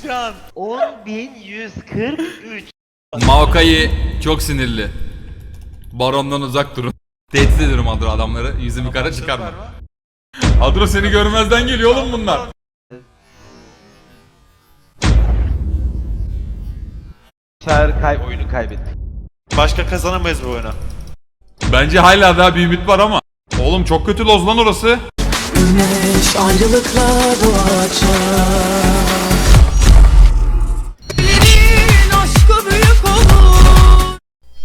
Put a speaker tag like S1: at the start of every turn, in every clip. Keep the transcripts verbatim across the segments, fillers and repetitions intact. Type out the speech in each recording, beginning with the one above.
S1: can.
S2: on bin yüz kırk üç.
S3: Maokai çok sinirli. Barondan uzak durun. Tehdit ediyorum Adro adamları. Yüzümü kara çıkarma. Adro seni görmezden geliyor oğlum bunlar.
S2: Çağrı kay oyunu kaybettik.
S1: Başka kazanamayız bu oyunu.
S3: Bence hala daha bir ümit var ama. Oğlum çok kötü loz lan orası.
S4: Güneş ayrılıkla doğacak. Ellerin aşkı büyük olur.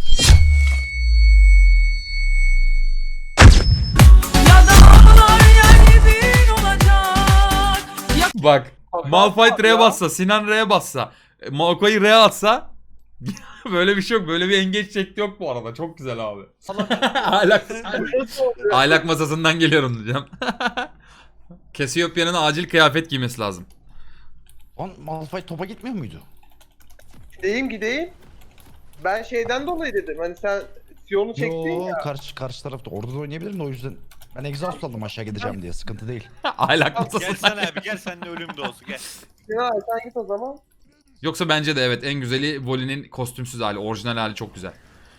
S4: Ya dağlar yer bir olacak. Ya
S3: Bak. Malphite R'ye bassa, Sinan R'ye bassa, Maokai R'ye atsa böyle bir şey yok. Böyle bir engeç şekli yok bu arada. Çok güzel abi. Ahlak, ahlak masasından geliyorum diyeceğim. Cassiopea'nın acil kıyafet giymesi lazım.
S5: Lan Malphite topa gitmiyor muydu?
S6: Gideyim gideyim. Ben şeyden dolayı dedim. Hani sen Sion'u çektin
S5: Yo,
S6: ya.
S5: karşı karşı tarafta orada da oynayabilirim de o yüzden ben exhaust aldım aşağı gideceğim diye sıkıntı değil.
S3: Ahlak
S1: Gel
S3: masasından.
S1: sen abi gel sen de ölüm de olsun gel.
S6: Ya sen git o zaman.
S3: Yoksa bence de evet en güzeli Voli'nin kostümsüz hali, orijinal hali çok güzel.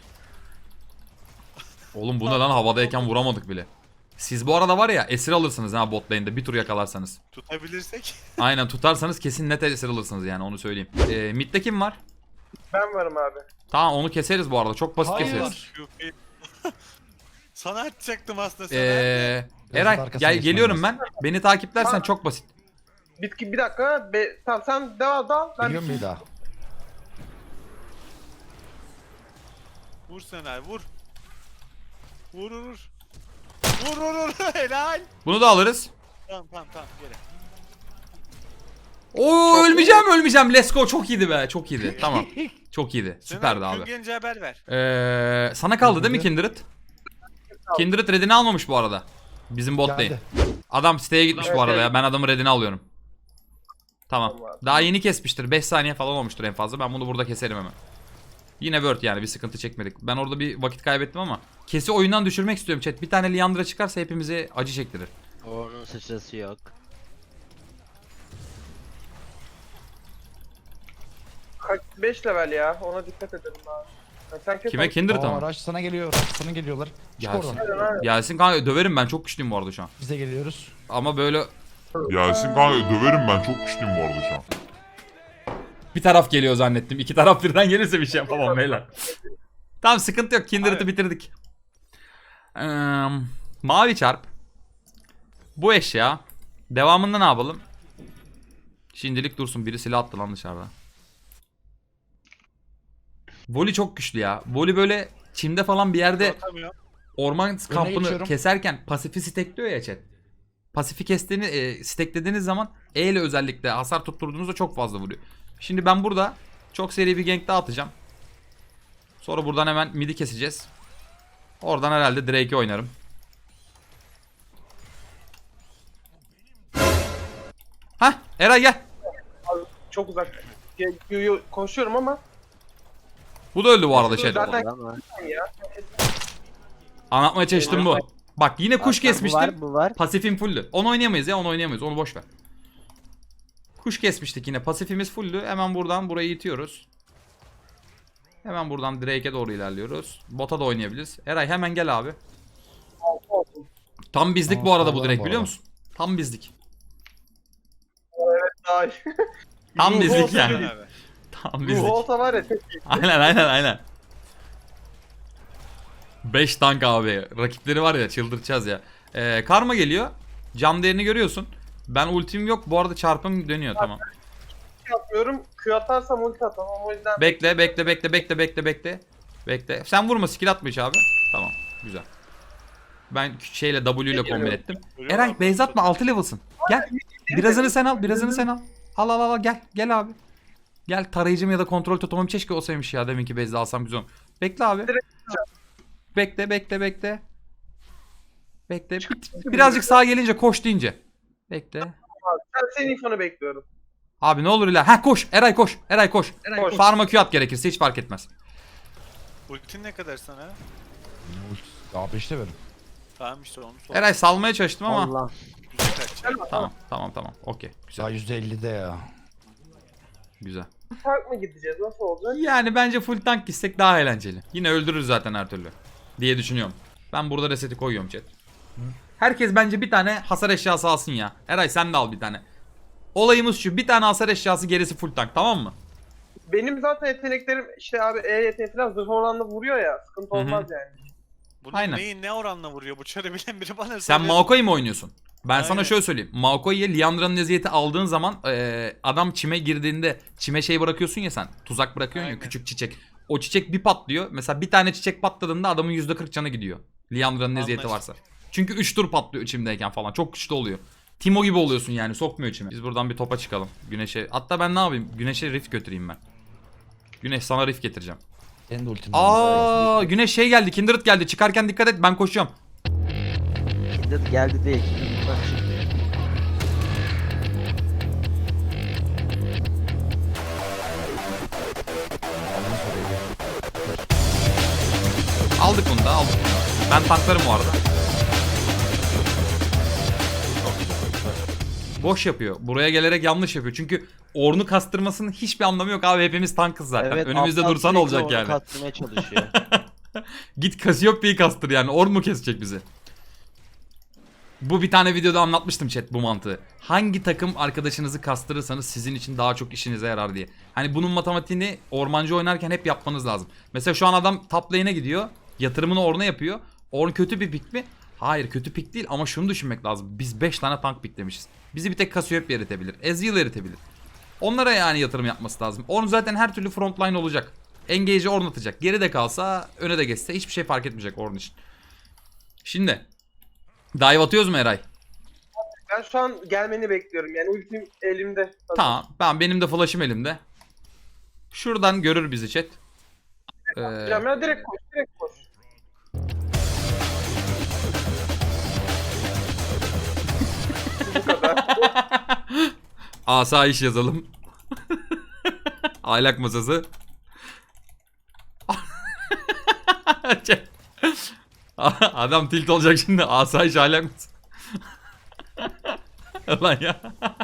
S3: Oğlum bu ne lan, havadayken vuramadık bile. Siz bu arada var ya esir alırsınız ha bot lane'de bir tur yakalarsanız.
S1: Tutabilirsek.
S3: Aynen tutarsanız kesin net esir alırsınız yani onu söyleyeyim. Ee, mid'de kim var?
S6: Ben varım abi.
S3: Tamam onu keseriz bu arada, çok basit
S5: Hayır.
S3: keseriz.
S1: Sana atacaktım aslında sana.
S3: Ee,
S5: Biraz
S3: Eray
S5: arkasına
S3: gel
S5: geçmem
S3: geliyorum
S5: lazım.
S3: ben. Beni takiplersen çok basit.
S6: Bitki bir dakika. Be, tamam sen devam dal. Ben
S5: Biliyor musun bir daha?
S1: Vur sen abi vur. Vur vur vur. Vur vur vur helal.
S3: Bunu da alırız.
S1: Tamam tamam tamam gel.
S3: Oo ölmeyeceğim ölmeyeceğim. Let's go, çok iyiydi be, çok iyiydi. Tamam. Çok iyiydi. Süperdi
S1: Gün
S3: abi.
S1: gelince haber ver.
S3: Ee, sana kaldı değil mi Kindred? Kindred redini almamış bu arada. Bizim bot değil.
S5: Geldi.
S3: Adam siteye gitmiş bu
S6: Evet,
S3: arada
S6: evet.
S3: ya. Ben adamın redini alıyorum. Tamam.
S6: Tamam.
S3: Daha yeni kesmiştir. beş saniye falan olmuştur en fazla. Ben bunu burada keserim hemen. Yine word yani, bir sıkıntı çekmedik. Ben orada bir vakit kaybettim ama kesi oyundan düşürmek istiyorum chat. Bir tane Liandra çıkarsa hepimize acı çektirir.
S2: Onun sıçrası yok.
S6: kaç beş level ya. Ona dikkat edelim abi. Ya sen kes
S3: Kime?
S6: onu.
S3: Kindred
S5: Aa,
S3: ama.
S5: araç sana geliyor, araç sana geliyorlar. Çık
S3: Gelsin.
S5: oradan.
S3: Gelsin kanka, döverim ben, çok güçlüyüm bu arada şu an.
S5: Biz de geliyoruz.
S3: Ama böyle
S7: Yasin kanka döverim ben çok güçlüyüm bu arada şu an.
S3: bir taraf geliyor zannettim. İki taraf birden gelirse bir şey yapamam beyler. Tamam sıkıntı yok. Kindred'i bitirdik. Ee, mavi çarp. Bu eşya. Devamında ne yapalım? Şimdilik dursun. Biri silah attı lan dışarıda. Voli çok güçlü ya. Voli böyle çimde falan bir yerde
S1: Atamıyor.
S3: orman kampını
S5: geçiyorum.
S3: keserken pasifi stekliyor ya chat. Pasifi kestiğini, e, steklediğiniz zaman E ile özellikle hasar tutturduğunuzda çok fazla vuruyor. Şimdi ben burada çok seri bir gank daha atacağım. Sonra buradan hemen midi keseceğiz. Oradan herhalde Drake'i oynarım. Hah Eray gel.
S6: Çok uzak. Ya, yo, yo, koşuyorum ama.
S3: Bu da öldü bu arada chat.
S6: Zaten
S2: Ama
S6: ya.
S3: Anlatmaya çalıştım bu. Bak yine kuş
S2: bu
S3: kesmiştim.
S2: var, bu var.
S3: Pasifim fulldü. Onu oynayamayız ya, onu oynayamayız. Onu boş ver. Kuş kesmiştik yine. Pasifimiz fulldü. Hemen buradan burayı itiyoruz. Hemen buradan Drake'e doğru ilerliyoruz. Bota da oynayabiliriz. Eray hemen gel abi. Tam bizlik
S5: Aa,
S3: bu arada bu
S5: sağlam
S3: Drake
S5: bu
S3: biliyor
S5: arada.
S3: musun? Tam bizlik.
S6: Ay.
S3: Tam
S6: Ruh
S3: bizlik
S6: olsa
S3: yani.
S1: Sen abi.
S3: Tam
S6: Ruh
S3: bizlik.
S6: olsa var ya tek
S3: Aynen aynen aynen. beş tank abi. Rakipleri var ya, çıldıracağız ya. Ee, karma geliyor. Cam değerini görüyorsun. Ben ultim yok. Bu arada çarpım dönüyor tamam.
S6: yapmıyorum. Q atarsam ulti atamam. O yüzden
S3: Bekle bekle bekle bekle bekle bekle. Bekle. Sen vurma, skill atma hiç abi. Tamam güzel. Ben şeyle W ile kombin ettim.
S1: Ölüyor
S3: Eray
S1: abi.
S3: base atma, altı level'sın. Gel. Birazını sen al, birazını sen al. Al al al gel. Gel abi. Gel, tarayıcım ya da kontrol totemim keşke olsaymış ya, deminki base'de alsam güzel olur. Bekle abi. Bekle bekle bekle. Bekle. Bir- Birazcık sağa gelince koş deyince. Bekle.
S6: ben senin infonu bekliyorum.
S3: Abi ne olur iler. Ha koş. Eray koş. Eray koş.
S6: Koş.
S3: Farma Q at gerekirse, hiç fark etmez.
S1: Ultin ne kadar sana?
S5: Daha beşte verin.
S1: Tamam işte onu sor.
S3: Eray salmaya çalıştım ama.
S2: Allah.
S1: Güzel kaç.
S3: Tamam tamam tamam. Okey. Güzel.
S5: Daha yüzde ellide ya.
S3: Güzel.
S6: Tank mı gideceğiz? Nasıl olacak?
S3: Yani bence full tank gitsek daha eğlenceli. Yine öldürürüz zaten her türlü. Diye düşünüyorum. Ben burada reseti koyuyorum chat. Herkes bence bir tane hasar eşyası alsın ya. Eray sen de al bir tane. Olayımız şu. Bir tane hasar eşyası, gerisi full tank, tamam mı?
S6: Benim zaten yeteneklerim işte abi E yeteneği falan zırh oranla vuruyor ya. Sıkıntı
S3: Hı hı.
S6: olmaz yani.
S1: Bunun
S3: Aynen.
S1: neyi ne oranla vuruyor? Bu çarı bilen biri bana
S3: Sen
S1: söylesin.
S3: Maokai mi oynuyorsun? Ben sana
S1: Aynen.
S3: şöyle söyleyeyim. Maokai'ye Liandra'nın eziyeti aldığın zaman eee, adam çime girdiğinde çime şey bırakıyorsun ya sen. Tuzak bırakıyorsun ya,
S1: Aynen.
S3: küçük çiçek. O çiçek bir patlıyor. Mesela bir tane çiçek patladığında adamın yüzde kırk canı gidiyor. Liandra'nın eziyeti
S1: Anlaştık.
S3: varsa. Çünkü üç tur patlıyor içimdeyken falan. Çok güçlü oluyor. Timo gibi oluyorsun yani, sokmuyor içime. Biz buradan bir topa çıkalım. Güneşe. Hatta ben ne yapayım? Güneşe rift götüreyim ben. Güneş sana rift getireceğim.
S5: Senin de ultin.
S3: Aa, Güneş şey geldi. Kindred geldi. Çıkarken dikkat et, ben koşuyorum.
S2: Kindred geldi değil. Kindred bak şimdi.
S3: Aldık bunu da, aldık bunu da. Ben tanklarım bu arada. Boş yapıyor. Buraya gelerek yanlış yapıyor. Çünkü Ornn'u kastırmasının hiçbir anlamı yok abi. Hepimiz tankız zaten.
S2: Evet,
S3: Önümüzde
S2: aptal
S3: dursan
S2: sürekli
S3: olacak
S2: onu
S3: yani.
S2: Kastırmaya çalışıyor.
S3: Git Cassiopeia'yı kastır yani. Ornn mu kesecek bizi? Bu bir tane videoda anlatmıştım chat bu mantığı. Hangi takım arkadaşınızı kastırırsanız sizin için daha çok işinize yarar diye. Hani bunun matematiğini ormancı oynarken hep yapmanız lazım. Mesela şu an adam top lane'e gidiyor. Yatırımını Ornn'a yapıyor. Ornn kötü bir pick mi? Hayır, kötü pick değil ama şunu düşünmek lazım. Biz beş tane tank picklemişiz. Bizi bir tek Cassiopeia eritebilir. Ezreal eritebilir. Onlara yani yatırım yapması lazım. Ornn zaten her türlü frontline olacak. Engage'i Ornn atacak. Geride kalsa, öne de geçse hiçbir şey fark etmeyecek Ornn için. Şimdi dive atıyoruz mu Eray?
S6: Ben şu an gelmeni bekliyorum yani ultim elimde.
S3: Tamam. Ben, benim de flash'ım elimde. Şuradan görür bizi chat. Ee,
S6: Hocam ya direkt koş, direkt koş. Bu kadar.
S3: asayiş yazalım. Aylak masası. Chat. Adam tilt olacak şimdi. Asayiş aylak masası. Lan ya.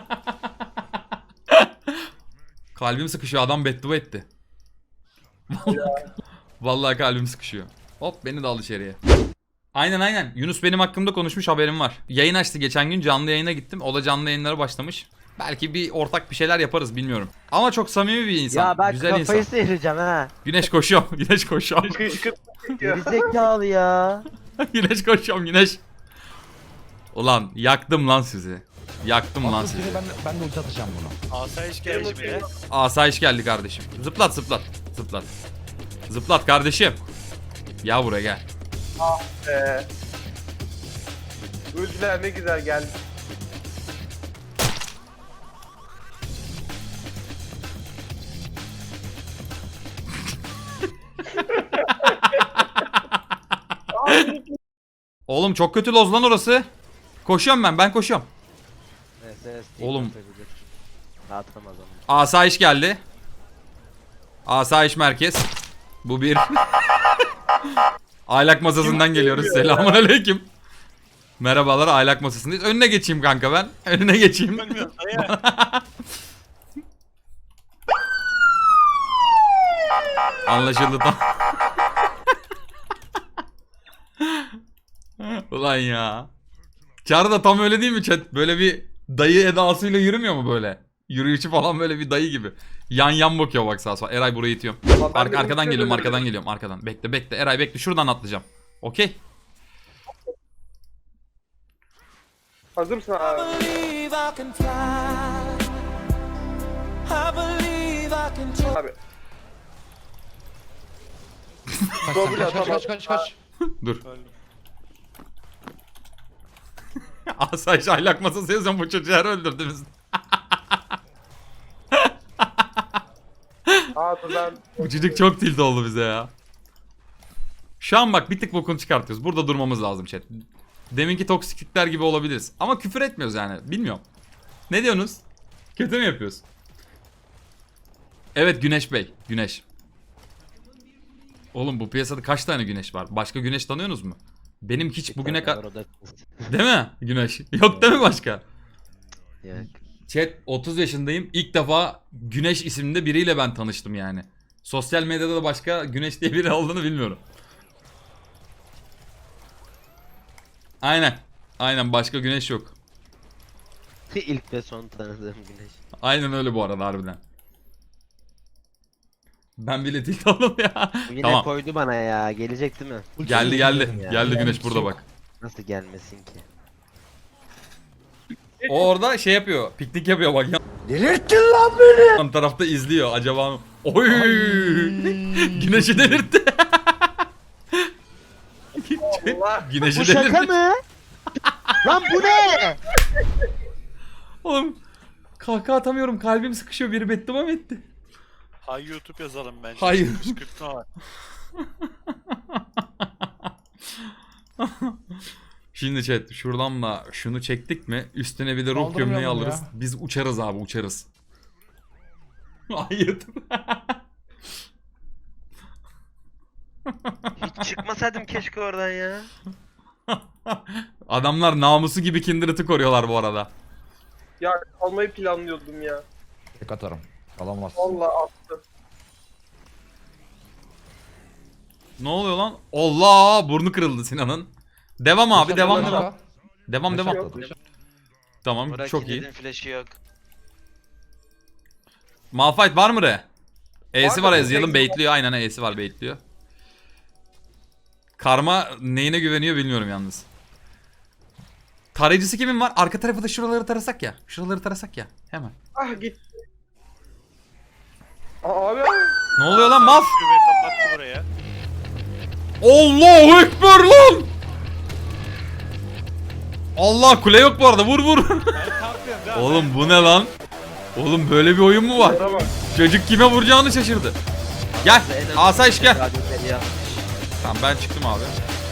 S3: Kalbim sıkışıyor. Adam beddua etti. Vallahi, vallahi kalbim sıkışıyor. Hop, beni de al içeriye. Aynen aynen. Yunus benim hakkımda konuşmuş, haberim var. Yayın açtı geçen gün, canlı yayına gittim. O da canlı yayınlara başlamış. Belki bir ortak bir şeyler yaparız, bilmiyorum. Ama çok samimi bir insan.
S2: Ya ben
S3: Güzel
S2: kafayı
S3: insan.
S2: sıyıracağım ha.
S3: Güneş koşuyorum. Güneş koşuyorum.
S6: Kışkırt çekiyor.
S2: Gerizekalı ya.
S3: Güneş koşuyorum güneş. Ulan yaktım lan sizi. Yaktım lan
S5: Atıl
S3: sizi.
S5: seni, ben, ben de ulti atacağım bunu.
S1: Asayiş geldi bile.
S3: Asayiş geldi kardeşim. Zıplat zıplat. Zıplat. Zıplat kardeşim. Ya buraya gel.
S6: Ee, ultiler ne güzel geldi.
S3: Oğlum çok kötü loz lan orası. Koşuyorum ben. Ben koşuyorum.
S2: S S
S3: Oğlum.
S2: Atamaz onu.
S3: Asayiş geldi. Asayiş merkez. Bu bir. Aylak masasından geliyoruz. Selamun aleyküm. Merhabalar, aylak masasındayız. Önüne geçeyim kanka ben. Önüne geçeyim.
S1: Bilmiyorum dayı.
S3: Anlaşıldı tam. Ulan ya. Çağrı da tam öyle değil mi chat? Böyle bir dayı edasıyla yürümüyor mu böyle? Yürüyüşü falan böyle bir dayı gibi. Yan yan bakıyor bak sağa sola. Eray burayı itiyorum.
S6: Ama ben
S3: Ar-
S6: de
S3: arkadan
S6: ultiyle
S3: geliyorum, arkadan
S6: dönüyorum.
S3: geliyorum, arkadan. Bekle bekle. Eray bekle. Şuradan atlayacağım. Okey.
S6: Hazır mısın abi? Abi.
S5: Kaç
S6: Double
S5: kaç kaç
S6: atamaz.
S5: kaç kaç kaç.
S3: Dur.
S1: Öldüm.
S3: Asayiş aylak masası yazıyorum, bu çocuğu her öldürdünüz.
S6: Aa dur ben.
S3: Bu çocuk çok tilt oldu bize ya. Şu an bak bir tık bokunu çıkartıyoruz. Burada durmamız lazım chat. Deminki toksiklikler gibi olabiliriz. Ama küfür etmiyoruz yani. Bilmiyorum. Ne diyorsunuz? Kötü mü yapıyoruz? Evet Güneş Bey. Güneş. Oğlum bu piyasada kaç tane Güneş var? Başka Güneş tanıyorsunuz mu? Benim hiç bugüne kadar... Değil mi Güneş? Yok değil mi başka?
S2: Yok.
S3: Chat otuz yaşındayım. İlk defa Güneş isimli biriyle ben tanıştım yani. Sosyal medyada da başka Güneş diye biri olduğunu bilmiyorum. Aynen. Aynen başka Güneş yok.
S2: İlk ve son tanıdığım güneş.
S3: Aynen öyle bu arada harbiden. Ben bile tilt oldum ya.
S2: Bu yine
S3: Tamam.
S2: koydu bana ya. Gelecek değil mi?
S3: Geldi geldi.
S2: Ya.
S3: Geldi Güneş burada bak.
S2: Nasıl gelmesin ki?
S3: O orada şey yapıyor. Piknik yapıyor bak ya. Delirttin lan beni. Yan tarafta izliyor. Acaba oy. Güneşi delirtti.
S6: Allah.
S3: Güneşi
S2: Bu şaka
S3: delirtti.
S2: mı? Lan bu ne?
S3: Oğlum kahkaha atamıyorum. Kalbim sıkışıyor. Biri beddua mı etti?
S1: Hay YouTube yazalım bence.
S3: Hayır.
S1: Kışkırtma var.
S3: Şimdi chat şuradan da şunu çektik mi üstüne bir de ruh gömleği
S5: Kaldırmayalım
S3: alırız.
S5: ya.
S3: Biz uçarız abi uçarız. Hayır.
S2: Hiç çıkmasaydım keşke oradan ya.
S3: Adamlar namusu gibi Kindred'i koruyorlar bu arada.
S6: Ya almayı planlıyordum ya.
S5: Tek atarım. Alamaz.
S6: Vallahi attı.
S3: Ne oluyor lan? Allah burnu kırıldı Sinan'ın. Devam abi
S5: Yaşar,
S3: devam
S5: Yaşar.
S3: devam. Devam
S5: Yaşar
S3: devam.
S5: atladı.
S3: Tamam
S2: Burak
S3: çok iyi.
S2: Kindred'in flash'ı yok.
S3: Malphite var mı re? E'si
S6: Var
S3: var
S6: da
S3: Ezreal'ın
S6: tek-
S3: baitliyor aynen E'si var baitliyor. Karma neyine güveniyor bilmiyorum yalnız. Tarayıcısı kimin var? Arka tarafı da şuraları tarasak ya. Şuraları tarasak ya. Hemen.
S6: Ah git. Aa, abi.
S3: Ne oluyor lan Maf?
S1: Şube kapattı buraya.
S3: Allahu Ekber lan! Allah kule yok bu arada vur vur.
S1: Ben kalkıyorum değil mi?
S3: Oğlum bu ne lan? Oğlum böyle bir oyun mu var?
S6: Bana bak.
S3: Çocuk kime vuracağını şaşırdı. Gel asayiş gel.
S2: Radyoları yapmış.
S3: Tamam ben çıktım abi.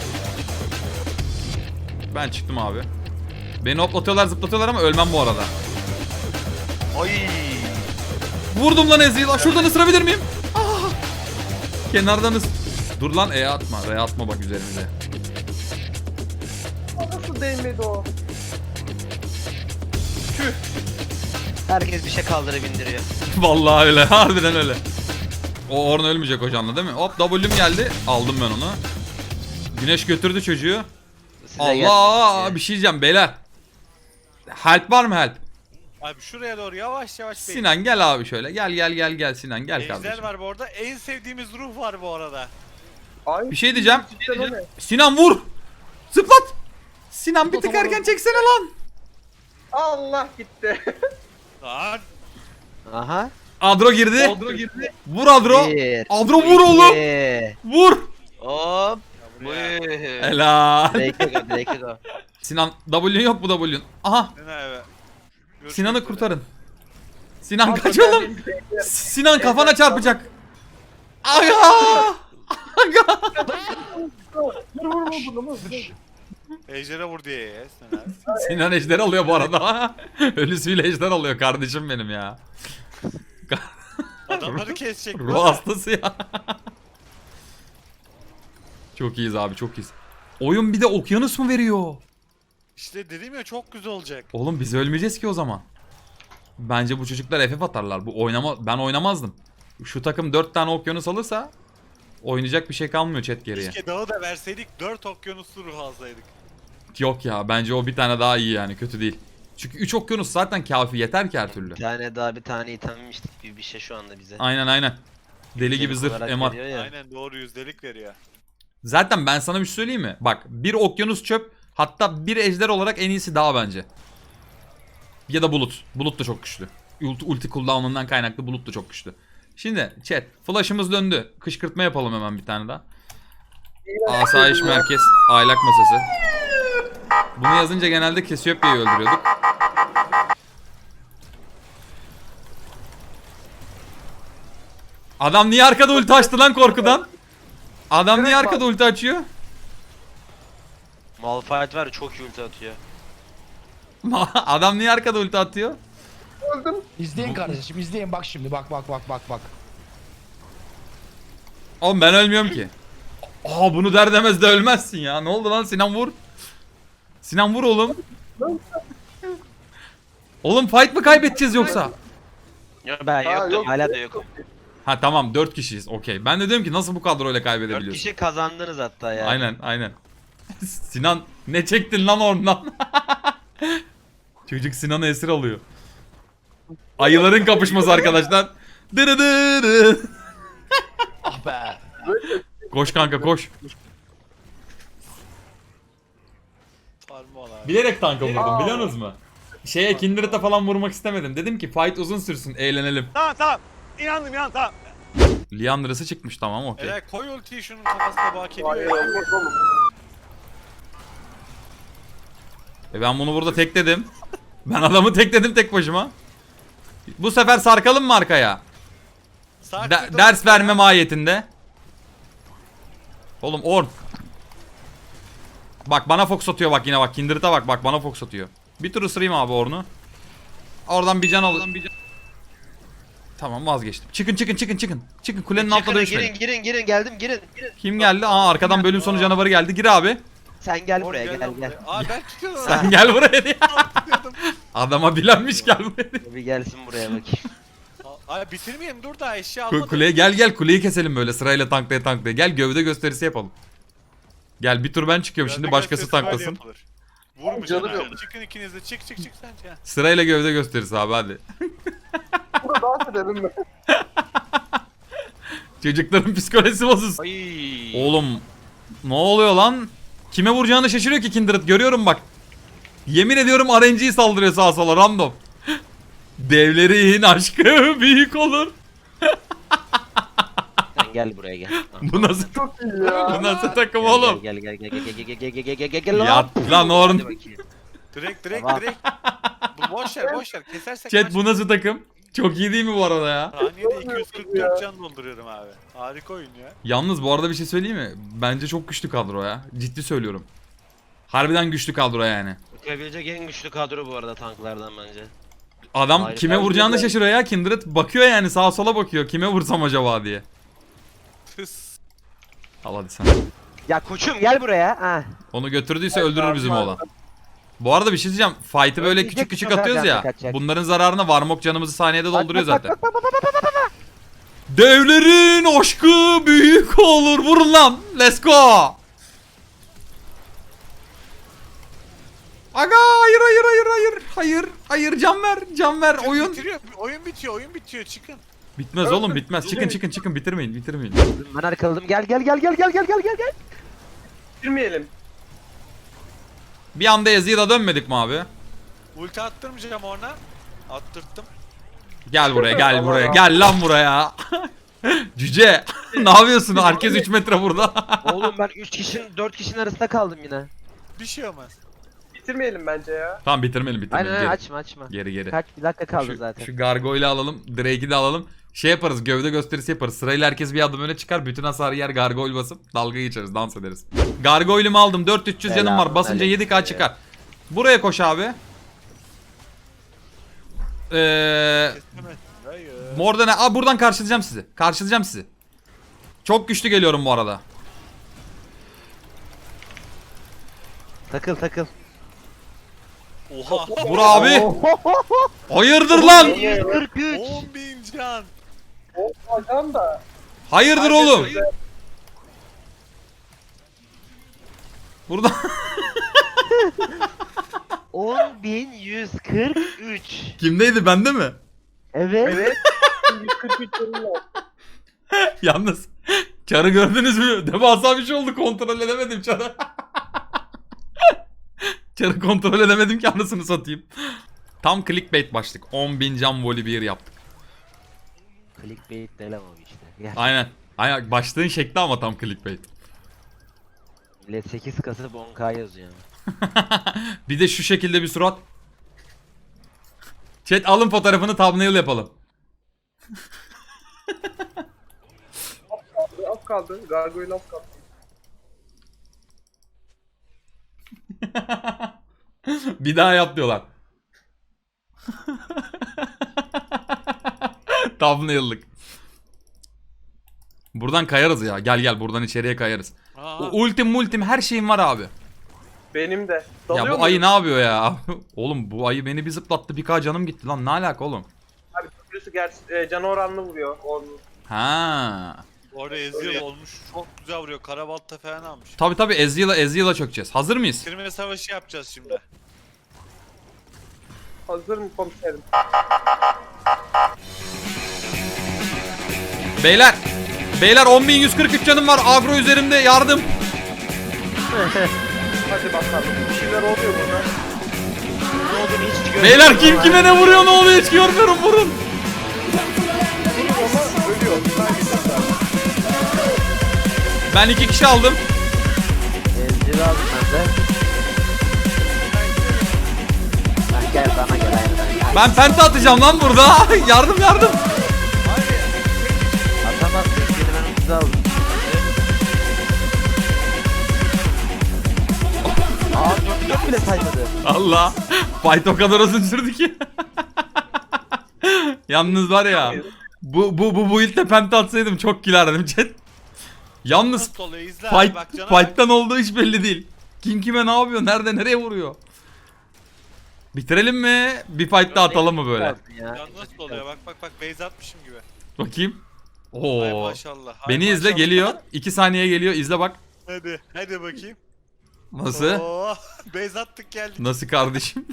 S3: Ben çıktım abi. Beni hoplatıyorlar zıplatıyorlar ama ölmem bu arada.
S2: Oy.
S3: Vurdum lan Ezreal'a. Şuradan ısırabilir miyim? Ah! Kenardan ıs... Dur lan E atma. R atma bak üzerimize.
S6: Nasıl değmedi o?
S2: Herkes bir şey kaldırıp indiriyor.
S3: Vallahi öyle. Harbiden öyle. O Ornn ölmeyecek o canlı değil mi? Hop W'm geldi. Aldım ben onu. Güneş götürdü çocuğu.
S2: Size
S3: Allah!
S2: gelmiş
S3: Bir şey diyeceğim beyler. Help var mı help?
S1: Abi şuraya doğru yavaş yavaş bey.
S3: Sinan gel abi şöyle. Gel gel gel gel Sinan gel
S1: Ejder
S3: kardeşim.
S1: var bu arada. En sevdiğimiz ruh var bu arada.
S6: Ay,
S3: Bir şey diyeceğim.
S6: cidden o ne?
S3: Sinan vur. Zıplat. Sinan bir tık
S5: Zıplatamadım.
S3: erken çeksene lan.
S6: Allah gitti.
S1: Lan.
S2: Aha.
S3: Adro girdi.
S6: Odro girdi.
S3: Vur Adro.
S2: Bir,
S3: Adro vur oğlum.
S2: iki.
S3: Vur.
S2: Hop.
S1: Buraya.
S2: Buyur.
S3: Helal.
S2: Drake'e go, Drake'e go.
S3: Sinan W'un yok bu W'un. Aha.
S1: Sinan abi. Görüşmek
S3: Sinan'ı
S1: üzere.
S3: kurtarın. Sinan kaç oğlum. Sinan kafana çarpacak. Aga. Aga.
S6: Vur vur vur bunu vur.
S1: Ejder'e vur diye ya Sinan abi.
S3: Sinan ejder alıyor bu arada. Ölüsüyle ejder alıyor kardeşim benim ya.
S1: Adamları kesecek.
S3: Ruh hastası ya. Çok iyiyiz abi çok iyiyiz. Oyun bir de okyanus mu veriyor?
S1: İşte dedim ya çok güzel olacak.
S3: Oğlum biz ölmeyeceğiz ki o zaman. Bence bu çocuklar F F atarlar. Bu oynama ben oynamazdım. Şu takım dört tane okyanus alırsa oynayacak bir şey kalmıyor chat geriye.
S1: Keşke dağı da verseydik dört okyanuslu ruh alsaydık.
S3: Yok ya bence o bir tane daha iyi yani kötü değil. Çünkü üç okyanus zaten kafi yeter ki her türlü.
S2: Bir tane daha bir tane itemmiştik gibi bir şey şu anda bize.
S3: Aynen aynen. Deli gibi zırh
S2: Olarak
S3: M R.
S2: veriyor ya.
S1: Aynen doğru yüzdelik veriyor.
S3: Zaten ben sana bir şey söyleyeyim mi? Bak bir okyanus çöp hatta bir ejder olarak en iyisi daha bence. Ya da bulut. Bulut da çok güçlü. Ulti, ulti cooldown'undan kaynaklı bulut da çok güçlü. Şimdi chat flash'ımız döndü. Kışkırtma yapalım hemen bir tane daha. Asayiş merkez aylak masası. Bunu yazınca genelde Kesiopya'yı öldürüyorduk. Adam niye arkada ulti açtı lan korkudan? Adam niye arkada ulti açıyor?
S2: Malphite var ya, çok iyi ulti atıyor.
S3: Adam niye arkada ulti atıyor?
S6: Öldüm.
S5: İzleyin kardeşim izleyin bak şimdi bak bak bak bak bak.
S3: Oğlum ben ölmüyorum ki. Aa bunu der demez de ölmezsin ya. Ne oldu lan Sinan vur. Sinan vur oğlum. Oğlum fight mı kaybedeceğiz yoksa?
S2: Ben
S6: Ha,
S2: yok,
S6: yok.
S2: hala da yok.
S3: Ha tamam dört kişiyiz. Okey. Ben de diyorum ki nasıl bu kadroyla
S2: Dört
S3: kaybedebiliyorsun?
S2: kişi kazandınız hatta ya.
S3: Aynen aynen. Sinan ne çektin lan oradan? Çocuk Sinan'ı esir alıyor. Ayıların kapışması arkadaşlar. Dırıdırı.
S5: Ah be.
S3: Koş kanka koş.
S1: Parmağı abi.
S3: Bilerek tanka vurdum biliyor musunuz mu? Şeye Kindred'e falan vurmak istemedim. Dedim ki fight uzun sürsün eğlenelim.
S1: Tamam tamam. İnandım inan tamam.
S3: Liandra'sı çıkmış tamam okey.
S1: Eray koy ultiyi şunun kafasına bak
S6: Hayır
S1: ediyor ya.
S6: olmaz oğlum.
S3: E ben bunu burada tekledim. Ben adamı tekledim tek başıma. Bu sefer sarkalım mı arkaya?
S1: Sağ
S3: De-
S1: kırdım.
S3: ders verme mahiyetinde. Oğlum Orn. Bak bana fox atıyor bak yine bak. Kindred'e bak bak bana fox atıyor. Bir tur ısırayım abi Orn'u. Oradan bir can al. Tamam vazgeçtim. Çıkın çıkın çıkın çıkın. Çıkın kulenin altına
S2: Çıkın,
S3: düşmeyin.
S2: girin girin girin geldim girin. girin.
S3: Kim geldi? Aa arkadan bölüm sonu canavarı geldi. Gir abi.
S2: Sen gel
S1: Oğlum,
S2: buraya gel
S1: lan
S2: gel.
S1: buraya. Aa ben tutuyordum.
S3: Sen gel buraya diye. Adama bilenmiş gel buraya diye.
S2: Bir gelsin buraya bakayım.
S1: Ay bitirmeyeyim dur da eşya
S3: Ku-
S1: almadım.
S3: Kuleye gel gel kuleyi keselim böyle sırayla tanklaya tanklaya. Gel gövde gösterisi yapalım. Gel bir tur ben çıkıyorum şimdi
S1: Gövde
S3: başkası
S1: gösterisi böyle
S3: tanklasın.
S1: yapılır. Vurmuş
S6: Canım
S1: canım
S6: yok.
S1: Çıkın ikiniz de çık çık çık sen ya.
S3: Sırayla gövde gösterisi abi hadi.
S6: Burada dans edelim mi?
S3: Çocukların psikolojisi bozulsun.
S2: Ay.
S3: Oğlum ne oluyor lan? Kime vuracağını şaşırıyor ki Kindred görüyorum bak. Yemin ediyorum R N G'yi saldırıyor sağa sola random. Devlerin aşkı büyük olur.
S2: Sen gel buraya gel. Tamam.
S3: Bu nasıl
S6: Çok iyi ya.
S3: bu nasıl takım
S2: Gel,
S3: oğlum?
S2: Gel gel gel gel gel gel gel gel gel gel gel gel
S3: Yat lan Orn.
S2: Hadi bakayım.
S1: Direkt direkt
S2: Tamam.
S1: direkt. Bu boş ver boş ver kesersek
S3: Chat bu nasıl takım? Çok iyi değil mi bu arada ya?
S1: Saniyede iki yüz kırk dört can dolduruyorum abi. Harika oyun ya.
S3: Yalnız bu arada bir şey söyleyeyim mi? Bence çok güçlü kadro ya. Ciddi söylüyorum. Harbiden güçlü kadro yani.
S2: Bakabilecek en güçlü kadro bu arada tanklardan bence.
S3: Adam
S2: Hayır,
S3: kime
S2: ben
S3: vuracağını
S2: güzel.
S3: şaşırıyor ya Kindred. Bakıyor yani sağa sola bakıyor. Kime vursam acaba diye.
S1: Tıs.
S3: Al hadi sen.
S2: Ya koçum gel buraya. Ha.
S3: Onu götürdüyse öldürür bizim oğlan. Bu arada bir şey diyeceğim. Fight'ı böyle
S2: Ölecek
S3: küçük küçük
S2: bu kadar
S3: atıyoruz ya.
S2: kaçacak.
S3: Bunların zararına Varmok canımızı saniyede dolduruyor
S2: Bak, bak,
S3: zaten. Devlerin aşkı büyük olur. Vurun lan. Let's go. Aga hayır hayır hayır hayır. Hayır hayır can ver can ver oyun.
S1: Bitiriyor. Oyun bitiyor oyun bitiyor çıkın.
S3: Bitmez oğlum bitmez. Çıkın çıkın çıkın bitirmeyin bitirmeyin.
S2: Ben arkaladım. Gel gel gel gel gel gel gel gel gel.
S6: Girmeyelim.
S3: Bir anda Ezreal'a dönmedik mi abi?
S1: Ulti attırmayacağım ona. Attırttım.
S3: Gel buraya gel buraya gel lan buraya. Cüce ne yapıyorsun? Herkes üç metre burada.
S2: Oğlum ben üç kişinin dört kişinin arasında kaldım yine.
S1: Bir şey olmaz.
S6: Bitirmeyelim bence ya.
S3: Tamam bitirmeyelim bitirmeyelim.
S2: Aynen
S3: Geri.
S2: açma açma.
S3: Geri geri.
S2: Kaç bir dakika kaldı
S3: Şu,
S2: zaten.
S3: şu Gargoyle'ı alalım. Drake'i de alalım. Şey yaparız gövde gösterisi yaparız. Sırayla herkes bir adım öne çıkar. Bütün hasarı yer Gargoyle basıp dalga geçeriz. Dans ederiz. Gargoyle'ımı aldım. dört bin üç yüz canım var. Basınca yedi K çıkar. Buraya koş abi. Eee...
S1: Kestemez. Hayır.
S3: Morda ne? Aa buradan karşılayacağım sizi. Karşılayacağım sizi. Çok güçlü geliyorum bu arada.
S2: Takıl takıl.
S1: Oha.
S3: Vur abi. Hayırdır lan?
S2: yüz kırk üç.
S1: on bin can.
S6: Hocam da.
S3: Hayırdır oğlum? Burada
S2: on bin yüz kırk üç.
S3: kimdeydi bende mi?
S2: Evet.
S6: Evet. yüz kırk üç canım var.
S3: Yalnız çarı gördünüz mü? Devasa bir şey oldu kontrol edemedim çarı. Çarı kontrol edemedim ki anasını satayım. Tam clickbait başlık. on bin can voli bir yaptık.
S2: Clickbait değil ama işte. Gel.
S3: Aynen. Aynen başlığın şekli ama tam clickbait.
S2: Millet sekiz kasıp on K yazıyor.
S3: Bir de şu şekilde bir surat. Chat alın fotoğrafını thumbnail yapalım.
S6: Az kaldı. Gargoyle az kaldı.
S3: Bir daha yap diyorlar. Thumbnail'lık. Buradan kayarız ya. Gel gel buradan içeriye kayarız.
S1: Aa,
S3: O ultim multim her şeyim var abi.
S6: Benim de.
S3: Ya
S6: Dalıyor
S3: bu
S6: muyum?
S3: ayı ne yapıyor ya? Oğlum bu ayı beni bir zıplattı, bir k canım gitti lan. Ne alaka oğlum?
S6: Abi köprüsü gerçi e, canı oranlı vuruyor. Onun.
S3: Ha.
S1: Orada Ezreal olmuş. Çok güzel vuruyor. Karabalta falan almış.
S3: Tabi tabi Ezreal'a Ezreal'a çökeceğiz. Hazır mıyız?
S1: Bitirme savaşı yapacağız şimdi.
S6: Hazır mı komiserim?
S3: Beyler. Beyler on bin yüz kırk üç canım var. Agro üzerimde yardım.
S6: Hadi bakalım. Bir şeyler oluyor burada.
S2: Ne olduğunu hiç görmedim.
S3: Beyler kim kime ne vuruyor, ne oluyor hiç görmüyorum, vurun.
S6: Ama ölüyor. Kaybediyorlar.
S3: Ben iki kişi aldım.
S2: Ezgi de aldım ben de. Lan gel bana gel aynen.
S3: Ben penta atacağım lan burada. Yardım yardım.
S2: Atamazsın seni ben ucuza aldım. Aa dört dört bile saymadı.
S3: Allah. Fight o kadar uzun sürdü ki. Yalnız var ya. Bu bu bu bu ilk penta atsaydım çok gülerdim chat. Yalnız
S1: Nasıl oluyor? İzle.
S3: fight
S1: Bak cana bak.
S3: fight'tan olduğu hiç belli değil. Kim kime ne yapıyor? Nerede nereye vuruyor? Bitirelim mi? Bir fight daha atalım mı böyle?
S2: Ya.
S1: Can nasıl oluyor? Bak bak bak. Base atmışım gibi.
S3: Bakayım.
S1: Ay
S3: Oo.
S1: maşallah. ay
S3: Beni izle,
S1: maşallah.
S3: geliyor. iki saniye geliyor. İzle bak.
S1: Hadi. Hadi bakayım.
S3: Nasıl?
S1: Oo, base attık geldik.
S3: Nasıl kardeşim?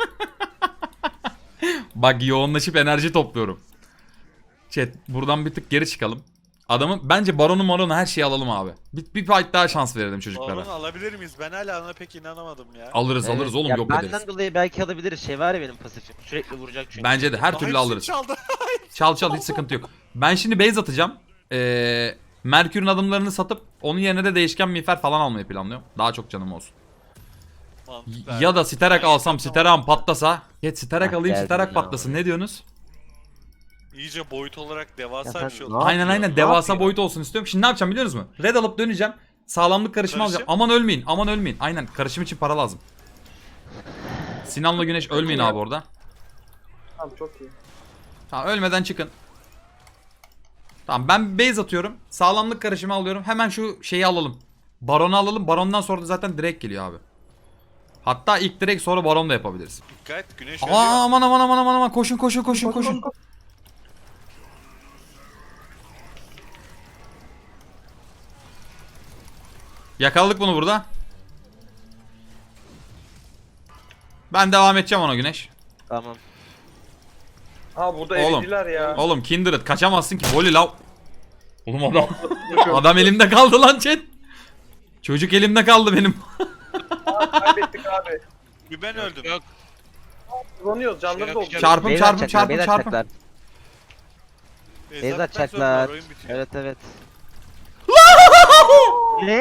S3: Bak yoğunlaşıp enerji topluyorum. Chat buradan bir tık geri çıkalım. Adamın bence baronu maronu her şeyi alalım abi. Bir, bir fight daha şans verelim çocuklara.
S1: Baron'u alabilir miyiz? Ben hala ona pek inanamadım ya.
S3: Alırız
S2: Evet.
S3: alırız oğlum,
S2: Ya
S3: yok
S2: benden
S3: ederiz.
S2: dolayı belki alabiliriz. Şey var ya benim pasifim. Sürekli vuracak çünkü.
S3: Bence de her
S1: Daha
S3: türlü
S1: hepsini
S3: alırız.
S1: Çaldı.
S3: Çal çal hiç sıkıntı yok. Ben şimdi base atacağım. Ee, Merkür'ün adımlarını satıp onun yerine de değişken miğfer falan almayı planlıyorum. Daha çok canım olsun.
S1: Mantıklı.
S3: Ya da Sterak alsam, Sterak'ım patlasa. Geç Sterak
S2: Ah,
S3: alayım,
S2: geldin
S3: Sterak
S2: ya.
S3: patlasın. Ne diyorsunuz?
S1: İyice boyut olarak devasa
S2: Ya
S1: bir şey
S2: sen
S1: oldu.
S2: ne
S3: Aynen
S2: yapıyorsun?
S3: aynen
S2: Ne
S3: devasa
S2: yapıyorsun?
S3: boyut olsun istiyorum. Şimdi ne yapacağım biliyor musunuz? Red alıp döneceğim. Sağlamlık karışımı
S1: Karışım?
S3: alacağım. Aman ölmeyin, aman ölmeyin. Aynen karışım için para lazım. Sinan'la Güneş ölmeyin abi orada.
S6: Tamam çok iyi.
S3: Tamam ölmeden çıkın. Tamam ben base atıyorum. Sağlamlık karışımı alıyorum. Hemen şu şeyi alalım. Baron'u alalım. Baron'dan sonra da zaten direkt geliyor abi. Hatta ilk direkt sonra Baron da yapabiliriz.
S1: Dikkat güneş
S3: Aa,
S1: ölüyor.
S3: aman aman aman aman aman koşun koşun koşun koşun. Yakaladık bunu burada. Ben devam edeceğim ona Güneş.
S2: Tamam.
S6: Ha burada
S3: Oğlum.
S6: eridiler ya.
S3: Oğlum Kindred kaçamazsın ki. Voli lav. Oğlum adam. Adam elimde kaldı lan chat. Çocuk elimde kaldı benim.
S6: Kaybettik abi.
S1: Bir ben öldüm.
S6: Kullanıyoruz canları da oldu.
S3: Çarpım
S2: Beyler
S3: çarpım
S2: çaklar,
S3: çarpım
S2: beyler
S3: çarpım.
S2: çaklar.
S1: Base
S2: Beyler
S1: attıktan sonra
S2: çaklar.
S1: oyun bitiyor.
S2: Evet evet. Ne?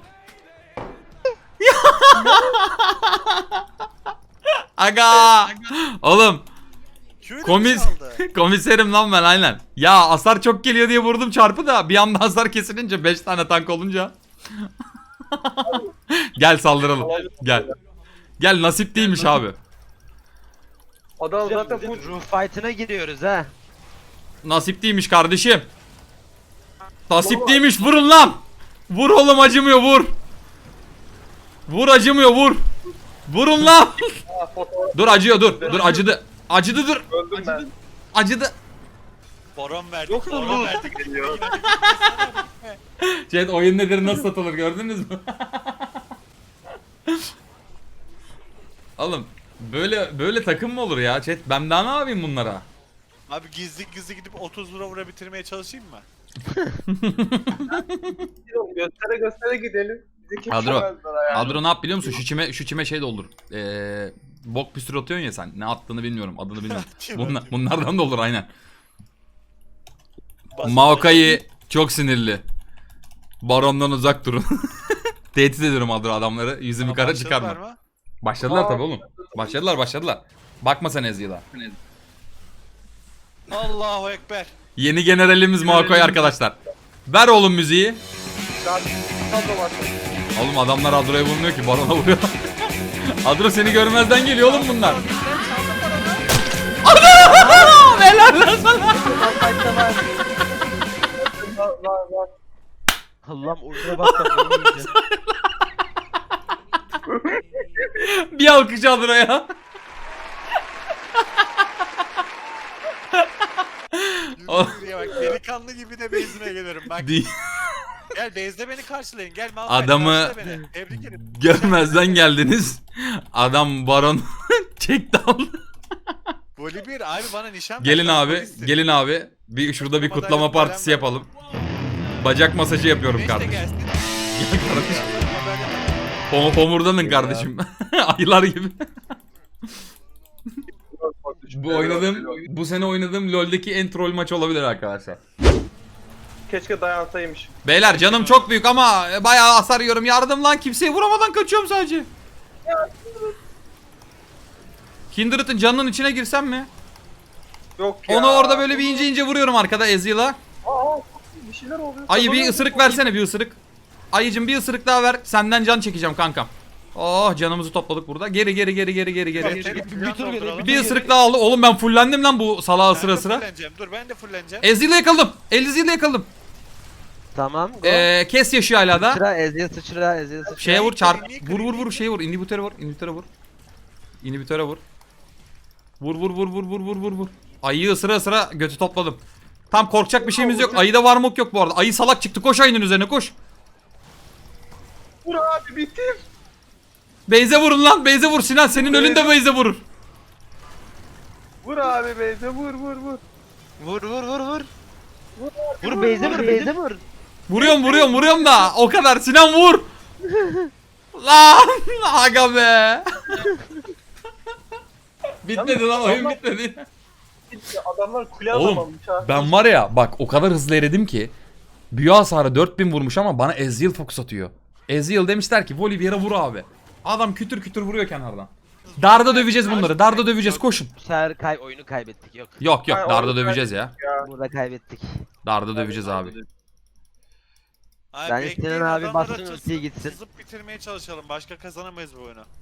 S3: Aga. Oğlum
S1: Q'yu da
S3: komis
S1: çaldı.
S3: komiserim lan ben aynen. Ya hasar çok geliyor diye vurdum çarpı da bir anda hasar kesilince beş tane tank olunca. Gel saldıralım. Gel. Gel nasip değilmiş abi.
S6: Adam zaten bu
S2: Ruh fight'ına giriyoruz ha.
S3: Nasip değilmiş kardeşim. Nasip değilmiş, vurun lan. Vur oğlum, acımıyor, vur. Vur acımıyor, vur. Vurun lan.
S6: fotoğraf
S3: Dur acıyor, dur. Dur acıdı. Acıdı, dur.
S6: öldüm ben.
S3: Acıdı.
S1: Baron verdik.
S6: Yoksa
S1: Baron
S6: bu-
S1: verdik. Geliyor.
S3: Chat oyun nedir, nasıl satılır gördünüz mü? Oğlum böyle böyle takım mı olur ya chat? Ben daha ne yapayım bunlara?
S1: Abi gizli gizli gidip otuz vura vura bitirmeye çalışayım mı?
S6: Göstere göstere gidelim. Bizi kim
S3: Adro.
S6: çözmezler ya.
S3: Adro ne yap biliyor musun? Şu çime şu çime şey doldur. Ee, bok püstür atıyorsun ya sen. Ne attığını bilmiyorum. Adını bilmiyorum. Bunlar, bunlardan da olur aynen.
S1: Basit
S3: Maokai çok sinirli. Baron'dan uzak durun. Tehdit ediyorum Adro adamları. Yüzümü
S1: Ama
S3: kara
S1: başladılar
S3: çıkarma.
S1: mı?
S3: Başladılar
S6: Aa.
S3: tabii oğlum. Başladılar başladılar. Bakma sen Ezgi'la.
S1: Allahu Ekber.
S3: Yeni generalimiz Maokai arkadaşlar. Ver oğlum müziği.
S6: Daha fazla var.
S3: Oğlum adamlar Adro'ya vurmuyor ki, Baron'a vuruyor. Adro seni görmezden geliyor oğlum bunlar. Adro! Helal lan sana.
S2: Ruh fight'ta var.
S6: Var var var.
S2: Allah'ım oyuna bak da oyun yiyeceğim.
S3: Bir alkış Adro ya. O-
S1: Yürü yürü ya bak delikanlı gibi de base'ime gelirim. Bak
S3: Değil.
S1: gel base'de beni karşılayın. Gel Malphite
S3: Adamı
S1: karşıla beni. Tebrik ederim.
S3: görmezden geldiniz. Adam baron çekti aldı.
S1: Voli bir abi bana nişan
S3: Gelin
S1: ver, ben
S3: abi,
S1: polistim.
S3: gelin abi. Bir şurada bir
S1: Kutlama
S3: kutlama
S1: dairesi
S3: partisi
S1: veren
S3: yapalım. Bacak masajı yapıyorum
S1: Güneş de
S3: kardeşim.
S1: gelsin.
S3: Gel kardeşim.
S1: Haber yapalım.
S3: Hom- Homurdanın kardeşim. Ayılar gibi. Bu oynadığım, bu sene oynadığım LoL'deki en troll maç olabilir arkadaşlar.
S6: Keşke dayansaymış.
S3: Beyler canım çok büyük ama bayağı hasar yiyorum. Yardım lan, kimseyi vuramadan kaçıyorum sadece. Kindred'ın canının içine girsem mi?
S6: Yok ya.
S3: Onu orada böyle bir ince ince vuruyorum arkada Ezreal'a.
S6: Aa, bir şeyler oluyor.
S3: Ayı bir ısırık versene, bir ısırık. Ayıcım bir ısırık daha ver. Senden can çekeceğim kankam. Oh, canımızı topladık burada. Geri geri geri geri geri geri.
S1: Bir- bir-
S5: bir tur geri,
S3: Bir ısırık daha aldı. Oğlum ben fullendim lan bu salağı
S1: Ben
S3: sıra
S1: de
S3: sıra.
S1: fulleneceğim. Dur ben de fulleneceğim.
S3: Ezreal'ı yakaladım. Ezreal'ı yakaladım.
S2: Tamam. Go.
S3: Ee, kes yaşıyor hala da.
S2: Sıçra Ezreal sıçra Ezreal sıçra.
S3: Şeye vur, çarp.
S1: Niye
S3: Vur vur vur,
S1: kırayım?
S3: şeye vur. İnhibitöre vur. İnhibitöre vur. İnhibitöre vur. Vur vur vur vur vur vur vur vur. Ayıyı ısıra ısıra götü topladım. Tam korkacak bir şeyimiz yok. Ayıda varmok yok bu arada. Ayı salak çıktı. Koş ayının üzerine koş.
S6: Vur abi bitir.
S3: Beyze vurun lan. Beyze vur Sinan. Senin önünde Beyze vurur.
S6: Vur abi beyze vur vur vur.
S2: Vur vur vur vur. Vur Beyze vur Beyze vur.
S3: Vuruyorum vuruyorum vuruyorum da. O kadar. Sinan vur. Lan. Aga be. Bitmedi lan, oyun bitmedi.
S6: Adamlar kule
S3: Oğlum,
S6: alamamış ha.
S3: Ben var ya bak o kadar hızlı eridim ki. Büyü hasarı dört bin vurmuş ama bana Ezreal fokus atıyor. Ezreal demişler ki Volibear'a vur abi. Adam kütür kütür vuruyor kenardan. Darda döveceğiz bunları. Darda döveceğiz, koşun.
S2: Bu sefer kay oyunu kaybettik yok.
S3: Yok yok,
S6: Ay,
S3: darda
S6: oğlum,
S3: döveceğiz ya.
S2: Burada kaybettik.
S3: Darda döveceğiz abi.
S1: Abi
S2: Ben
S1: bekleyin,
S2: Sinan abi
S1: adamlara
S2: bassın
S1: tız-
S2: ultiye gitsin.
S1: Sızıp bitirmeye çalışalım. Başka kazanamayız bu oyunu.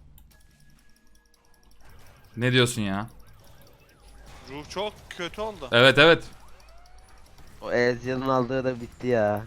S3: Ne diyorsun ya?
S1: Ruh çok kötü oldu.
S3: Evet evet.
S2: O Ezreal'ın aldığı da bitti ya.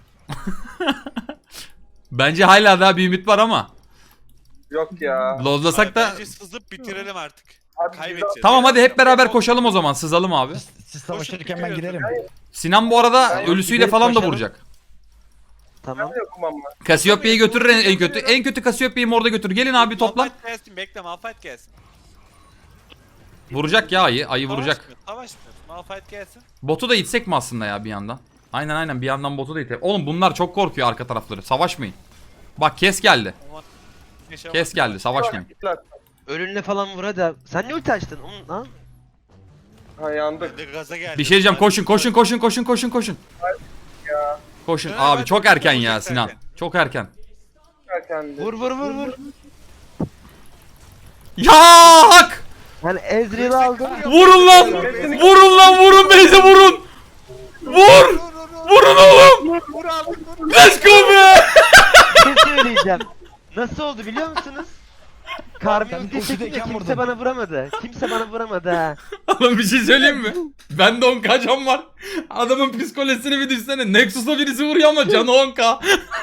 S3: Bence hala daha bir ümit var ama.
S6: Yok ya.
S3: Lozlasak
S1: Abi
S3: da.
S1: Bence sızıp bitirelim artık.
S6: Abi,
S1: Kaybedeceğiz.
S3: Tamam hadi hep beraber koşalım o zaman. Sızalım abi.
S5: Siz savaşırken ben girerim.
S3: Sinan bu arada
S2: Ben-
S3: ölüsüyle
S2: gidelim,
S3: falan da
S2: koşalım.
S3: vuracak.
S2: Tamam.
S6: Ben yokum ama.
S3: Cassiopea'yı götürür en, en kötü. En kötü Cassiopeia'yı orada götür. Gelin abi toplan.
S1: Malphite gelsin, bekle Malphite gelsin.
S3: Vuracak ya ayı. Ayı vuracak.
S1: Savaşmıyor, savaşmıyor. Malphite gelsin.
S3: Botu da itsek mi aslında ya bir yandan? Aynen aynen, bir yandan botu da itsek. Oğlum bunlar çok korkuyor arka tarafları. Savaşmayın. Bak kes geldi.
S1: Ama yaşamak-
S3: Kes geldi. Savaşmayın.
S6: Git lan.
S2: Ölünle falan vur hadi. Sen ne ulti açtın? Oğlum, lan.
S6: Ha yandık.
S1: Ben de gaza geldim.
S3: Bir şey diyeceğim. Koşun koşun koşun koşun koşun koşun. Koşun.
S1: Evet,
S3: Abi
S1: evet,
S3: çok erken ya
S1: çok
S3: Sinan.
S1: erken.
S3: Çok erken.
S6: Erkendi.
S2: Vur vur vur vur.
S3: Ya hak!
S2: Ben Ezreal'ı aldım.
S3: Vurun lan! Vurun lan, vurun Beyze vurun! Vur! Vurun oğlum!
S1: Vur abi vur.
S3: Let's go be!
S2: Bir şey söyleyeceğim. Nasıl oldu biliyor musunuz? Karmi
S5: Ben
S2: ulti
S5: ultideyken
S2: çekince kimse
S5: vurdum.
S2: bana vuramadı. Kimse bana vuramadı ha.
S3: Oğlum bir şey söyleyeyim mi? Bende on ka can var. Adamın psikolojisini bir düşsene. Nexus'a birisi vuruyor ama canı on ka.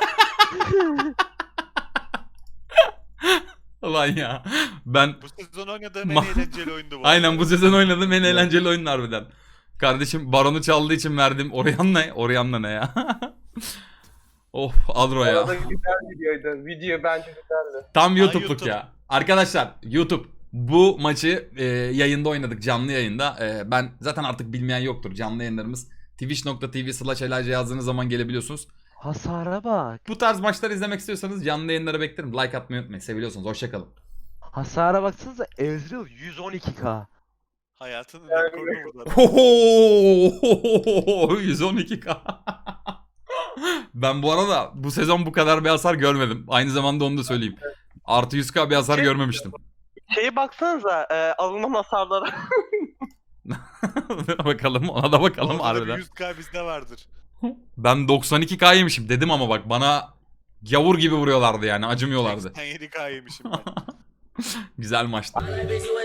S3: Ulan ya. Ben
S1: Bu sezon oynadığım en
S3: Ma-
S1: eğlenceli oyundu bu.
S3: aynen bu sezon oynadığım en eğlenceli oyun harbiden. Kardeşim Baron'u çaldığı için verdim. Orianna ne? Orianna ne ya? Of Adro ya.
S6: Orada güzel videoydu. Video bence güzeldi.
S3: Tam
S1: Aa,
S3: YouTube'luk
S1: YouTube.
S3: ya. Arkadaşlar YouTube bu maçı e, yayında oynadık, canlı yayında. E, ben zaten artık bilmeyen yoktur, canlı yayınlarımız twitch nokta tv slash elace yazdığınız zaman gelebiliyorsunuz.
S2: Hasara bak.
S3: Bu tarz maçları izlemek istiyorsanız canlı yayınlara beklerim. Like atmayı unutmayın. Seviyorsunuz. Hoşçakalın.
S2: Hasara baksanıza Ezreal yüz on iki K.
S1: Hayatının
S6: Yani-
S1: rekorunu burada.
S3: Oho! yüz on iki k. Ben bu arada bu sezon bu kadar bir hasar görmedim. Aynı zamanda onu da söyleyeyim. Artı yüz k bir hasar görmemiştim.
S6: Şeye baksanıza e, alınan hasarlara.
S3: Bakalım, ona da bakalım
S1: Orada da bir
S3: harbiden.
S1: yüz K bizde vardır.
S3: Ben doksan iki k yemişim dedim ama bak bana gavur gibi vuruyorlardı yani, acımıyorlardı.
S1: seksen yedi K yemişim ben.
S3: Güzel maçtı.